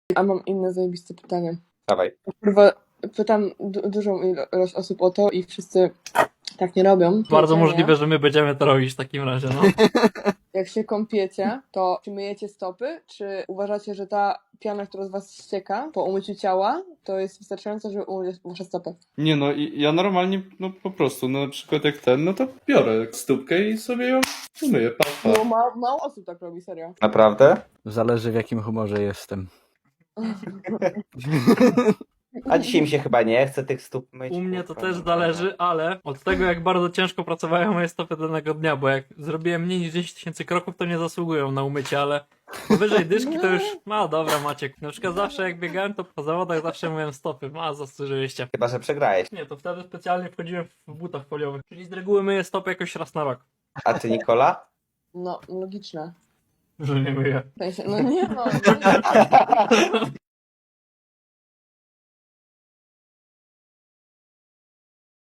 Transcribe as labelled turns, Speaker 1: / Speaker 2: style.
Speaker 1: A mam inne zajebiste pytanie.
Speaker 2: Dawaj.
Speaker 1: Kurwa, pytam dużą ilość osób o to i wszyscy tak nie robią.
Speaker 3: Bardzo
Speaker 1: Jedzenie.
Speaker 3: możliwe, że my będziemy to robić w takim razie, no.
Speaker 1: Jak się kąpiecie, to czy myjecie stopy, czy uważacie, że ta piana, która z was ścieka po umyciu ciała, to jest wystarczająca, żeby umyć wasze stopy?
Speaker 4: Nie no, ja normalnie, no po prostu, no na przykład jak no to biorę stópkę i sobie ją umyję, pa.
Speaker 1: No mało osób tak robi, serio.
Speaker 2: Naprawdę?
Speaker 5: Zależy w jakim humorze jestem.
Speaker 2: A dzisiaj mi się chyba nie chce tych stóp myć.
Speaker 3: U mnie to
Speaker 2: kurwa,
Speaker 3: też
Speaker 2: no.
Speaker 3: zależy, ale od tego jak bardzo ciężko pracowały moje stopy danego dnia, bo jak zrobiłem mniej niż 10 tysięcy kroków, to nie zasługują na umycie, ale powyżej dyszki to już, no dobra Maciek, na przykład zawsze jak biegałem, to po zawodach zawsze myłem stopy, zasłużyliście.
Speaker 2: Chyba, że przegrałeś.
Speaker 3: Nie, to wtedy specjalnie wchodziłem w butach foliowych, czyli z reguły myję stopy jakoś raz na rok,
Speaker 2: A ty, Nikola?
Speaker 1: No, logiczne.
Speaker 3: że nie myję.
Speaker 1: W sensie, no nie no.